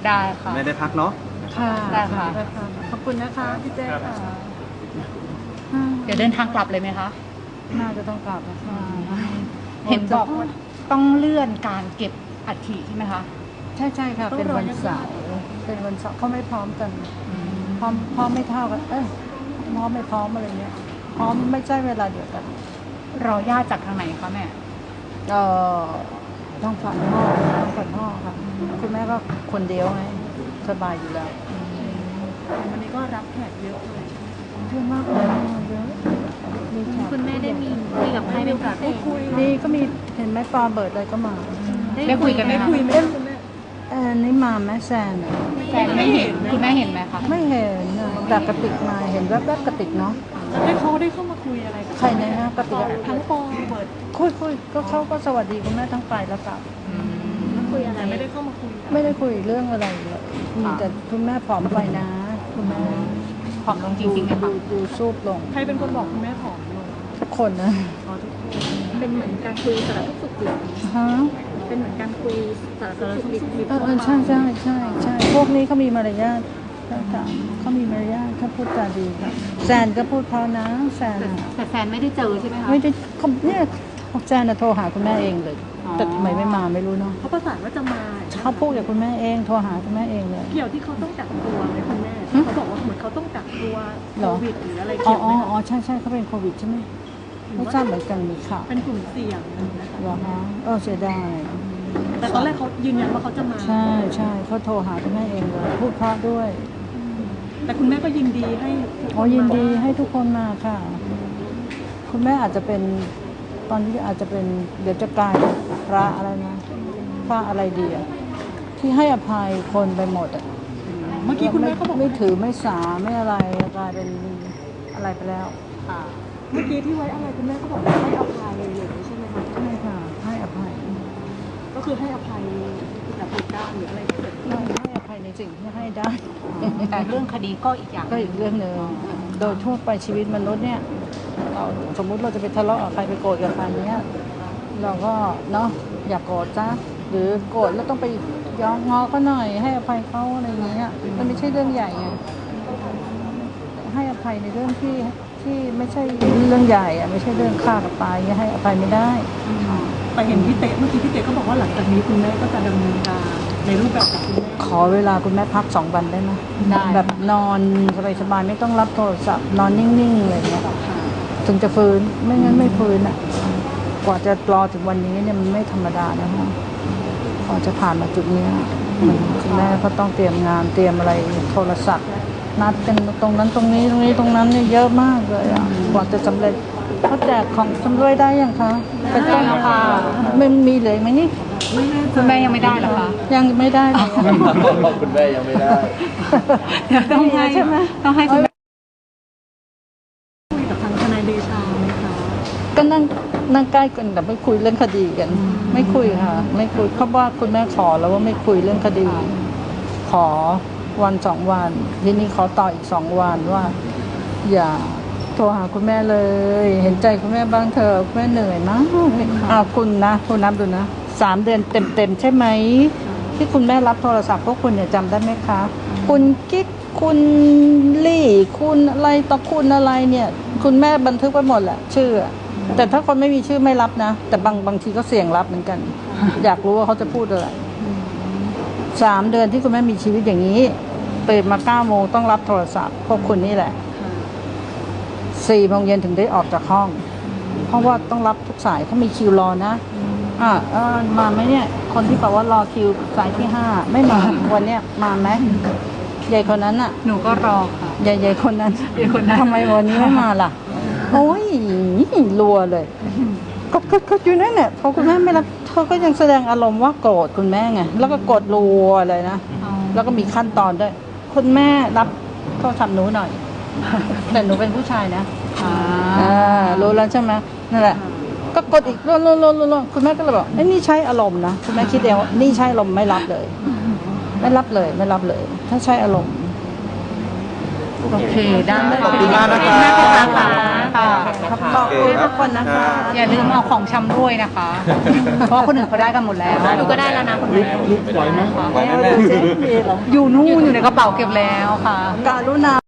ได้ค่ะไม่ได้พักเนาะค่ะได้ค่ะขอบคุณนะคะพี่เจ๊ค่ะเดี๋ยวเดินทางกลับเลยไหมคะน่าจะต้องกลับแล้วค่ะเห็นบอกว่าต้องเลื่อนการเก็บอัฐิใช่ไหมคะใช่ค่ะเป็นวันเสาร์เขาไม่พร้อมกันพร้อมไม่เท่ากันพร้อมไม่พร้อมอะไรเงี้ยพร้อมไม่ใช่เวลาเดียวกันรอญาติจากทางไหนคะแม่ต้องฝันพ่อค่ะคุณแม่ก็คนเดียวไงสบายอยู่แล้ววันนี้ก็รับแขกเยอะเลยเยอะมากเลยเยอะคุณแม่ได้มีคุยกับใครเป็นพิเศษนี่ก็มีเห็นไหมปอเบิร์ดอะไรก็มาได้คุยกันไหมคะนี่มาแม่แซนแซนไม่เห็นคุณแม่เห็นไหมคะไม่เห็นแต่กระติกมาเห็นแวบๆกระติกเนาะแล้วเขาได้เข้ามาคุยอะไรกับใครนะกระติกทั้งปอเบิร์ดคุยก็เขาก็สวัสดีคุณแม่ทั้งไปแล้วกลับแล้วคุยอะไรไม่ได้เข้ามาคุยไม่ได้คุยเรื่องอะไรเลยมีแต่คุณแม่ผอมไปนะคุณแม่ผอมลงจริงๆไหมคะดูซูบลงใครเป็นคนบอกคุณแม่ผอมลงทุกคนนะทุกคนเป็นเหมือนการคุยสารทุกข์สุขดิบฮะเป็นเหมือนการคุยสารทุกข์สุขดิบใช่พวกนี้เขามีมารยาทเขามีมารยาทเขาพูดจาดีค่ะแซนก็พูดเพราะนะแซนแต่แซนไม่ได้เจอใช่ไหมคะไม่ได้เนี่ยแซนโทรหาคุณแม่เองเลยแต่ทำไมไม่มาไม่รู้เนาะเขาประสานว่าจะมาเขาพูดกับคุณแม่เองโทรหาคุณแม่เองเลยเกี่ยวที่เขาต้องกักตัวไหมคุณแม่เขาบอกว่าเหมือนเขาต้องกักตัวโควิดหรืออะไรเกี่ยวไหมใช่เขาเป็นโควิดใช่ไหมไม่ทราบเหมือนกันมีข่าวเป็นกลุ่มเสี่ยงนะคะเหรอฮะเสียดายแต่ตอนแรกเขายืนยันว่าเขาจะมาใช่เขาโทรหาคุณแม่เองเลยพูดเพราะด้วยแต่คุณแม่ก็ยินดีให้ยินดีให้ทุกคนมาค่ะคุณแม่อาจจะเป็นตอนนี้อาจจะเป็นเดี๋ยวจะกลายพระอะไรนะพระอะไรดีอะที่ให้อภัยคนไปหมดอะเมื่อกี้คุณแม่เขาบอกไม่ถือไม่สาไม่อะไรกลายเป็นอะไรไปแล้วเมื่อกี้ที่ไว้อะไรคุณแม่ก็บอกว่าให้อภัยเลยใช่ไหมคะใช่ค่ะให้อภัยก็คือให้อภัยกับเหตุการณ์หรืออะไรที่เกิดขึ้นให้อภัยในสิ่งที่ให้ได้แต่เรื่องคดีก็อีกอย่างก็อีกเรื่องหนึ่งโดยทั่วไปชีวิตมนุษย์เนี่ยเราสมมุติเราจะไปทะเลาะกับใครไปโกรธกับใครเนี้ยเราก็เนาะอย่าโกรธจ้ะหรือโกรธแล้วต้องไปย้อนงอก็หน่อยให้อภัยเขาอะไรอย่างเงี้ยมันไม่ใช่เรื่องใหญ่ไงให้อภัยในเรื่องที่ไม่ใช่เรื่องใหญ่อะไม่ใช่เรื่องฆ่ากับตายให้อภัยไม่ได้แต่เห็นพี่เต๋เมื่อกี้พี่เต๋ก็บอกว่าหลังจากนี้คุณแม่ก็จะดำเนินการในรูปแบบของคุณแม่ขอเวลาคุณแม่พัก2 วันได้ไหมแบบนอนสบายๆไม่ต้องรับโทรศัพท์นอนนิ่งๆอะไรอย่างเงี้ยถึงจะฟื้นไม่งั้นไม่ฟื้นอ่ะกว่าจะรอถึงวันนี้เนี่ยมันไม่ธรรมดานะคะกว่าจะผ่านมาจุดนี้คุณแม่ก็ต้องเตรียมงานเตรียมอะไรโทรศัพท์นัดกันตรงนั้นตรงนี้ตรงนั้นเนี่ยเยอะมากเลยอ่ะกว่าจะสำเร็จเขาแจกของชำร่วยได้ยังคะเป็นต้นค่ะมันมีเลยไหมนี่คุณแม่ยังไม่ได้หรอคะยังไม่ได้เลยคุณแม่ยังไม่ได้ต้องให้ใช่ไหมต้องให้คุณแม่คุยกับทางทนายเดชาไหมคะก็นั่งใกล้กันแต่ไม่คุยเรื่องคดีกันไม่คุยค่ะไม่คุยเพราะว่าคุณแม่ขอแล้วว่าไม่คุยเรื่องคดีขอวัน2 วันทีนี้ขอต่ออีก2 วันว่าอย่าโทรหาคุณแม่เลยเห็นใจคุณแม่บ้างเถอะคุณแม่เหนื่อยมากคุณนะคุณนับดูนะ3 เดือนเต็มใช่ไหมที่คุณแม่รับโทรศัพท์พวกคุณเนี่ยจำได้ไหมคะคุณกิ๊กคุณลี่คุณอะไรต่อคุณอะไรเนี่ยคุณแม่บันทึกไว้หมดแหละชื่อแต่ถ้าคนไม่มีชื่อไม่รับนะแต่บางทีก็เสี่ยงรับเหมือนกันอยากรู้ว่าเขาจะพูดอะไร3 เดือนที่คุณแม่มีชีวิตอย่างนี้ตื่นมา9 โมงต้องรับโทรศัพท์พวกคุณนี่แหละ4 โมงเย็นถึงได้ออกจากห้องเพราะว่าต้องรับทุกสายเขามีคิวรอนะมาไหมเนี่ยคนที่บอกว่ารอคิวสายที่5ไม่มาวันเนี้ยมาไหมใหญ่คนนั้นอ่ะหนูก็รอค่ะใหญ่คนนั้นทำไมวันนี้ไม่มาล่ะโอ้ยรัวเลยก็อยู่นั่นเนี่ยพอคุณแม่ไม่รับเธอก็ยังแสดงอารมณ์ว่าโกรธคุณแม่ไงแล้วก็กดรัวเลยนะแล้วก็มีขั้นตอนด้วยคุณแม่รับโทรศัพท์หนูหน่อยแต่หนูเป็นผู้ชายนะรู้แล้วใช่ไหมนั่นแหละก็กดอีกรัวคุณแม่ก็เลยบอกนี่ใช้อารมณ์นะคุณแม่คิดเองว่านี่ใช้อารมณ์ไม่รับเลยไม่รับเลยถ้าใช้อารมณ์โอเคได้ขอบคุณมากนะครับค่ะขอบคุณทุกคนนะคะอย่าลืมเอาของชำด้วยนะคะ เพราะว่าคนอื่นเขาได้กันหมดแล้วหนูก็ได้แล้วนะคุณแม่ไหวไหมแม่เจ๊มีเหรออยู่นู่นอยู่ในกระเป๋าเก็บแล้วค่ะการุณา